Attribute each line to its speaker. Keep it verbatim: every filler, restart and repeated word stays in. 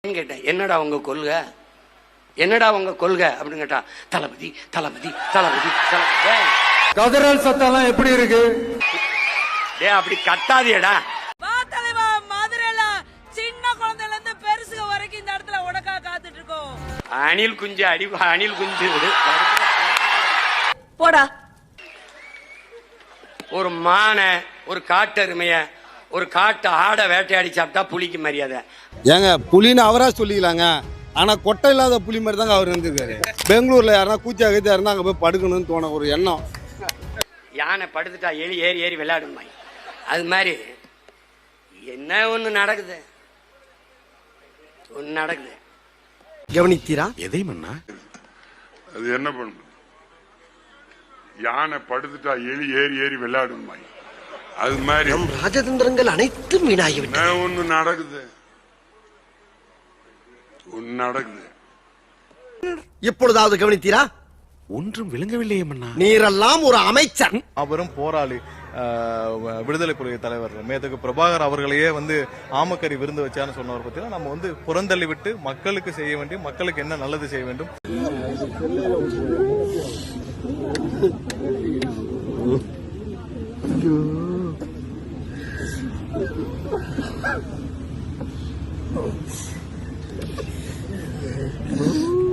Speaker 1: கேட்டேன், என்னடா உங்க கொள்கை, என்னடா உங்க கொள்கை அப்படின்னு கேட்டா, தளபதி தளபதி தளபதி தளபதி.
Speaker 2: கதறல் சத்தம் எப்படி இருக்கு?
Speaker 1: டே அப்படி கத்தாதியடா.
Speaker 3: வா தலைவா, மதுரையில சின்ன குழந்தையில இருந்து பெருசுக வரைக்கும் இந்த இடத்துல உனக்கா காத்துட்டு இருக்கோம்.
Speaker 1: அணில் குஞ்சு அடி, அணில் குஞ்சு
Speaker 3: போடா.
Speaker 1: ஒரு மானை, ஒரு காட்டெருமைய, ஒரு காட்டு ஆடை வேட்டையாடி சாப்பிட்டா புலிக்கு மரியாதை.
Speaker 4: ஏங்க புலின்னு அவரா சொல்லிக்கலாங்க, ஆனா கொட்டை இல்லாத புலி மாதிரி தாங்க அவர் இருந்திருக்காரு. பெங்களூர்ல யாருன்னா கூச்சா கீச்சா இருந்தா அங்க போய் படுக்கணும்னு தோண ஒரு எண்ணம்.
Speaker 1: யானை படுத்துட்டா எலி ஏறி ஏறி விளையாடுமா, அது மாதிரி என்ன ஒண்ணு நடக்குது, ஒண்ணு நடக்குது.
Speaker 2: கவனித்தீரா?
Speaker 5: எதை மன்னா?
Speaker 6: அது என்ன பண்ணு, யானை படுத்துட்டா எலி ஏறி ஏறி விளையாடுமா, அது மாதிரி
Speaker 2: ராஜதந்திரங்கள் அனைத்தும் வீணாகிவிட்டன.
Speaker 6: என்ன ஒண்ணு நடக்குது, ஒண்ணு நடக்குது.
Speaker 2: இப்பொழுதாவது கவனித்தீரா?
Speaker 5: ஒன்றும் விளங்கவில்லையே மன்னா.
Speaker 2: நீரெல்லாம் ஒரு அமைச்சர்.
Speaker 7: அவரும் போராளி, விடுதலை புலிக தலைவர் மேதகு பிரபாகர் அவர்களையே வந்து ஆமக்கறி விருந்து வச்சான்னு சொன்னவர் பத்தினா நம்ம வந்து புறந்தள்ளி விட்டு மக்களுக்கு செய்ய வேண்டிய, மக்களுக்கு என்ன நல்லது செய்ய வேண்டும். Oh.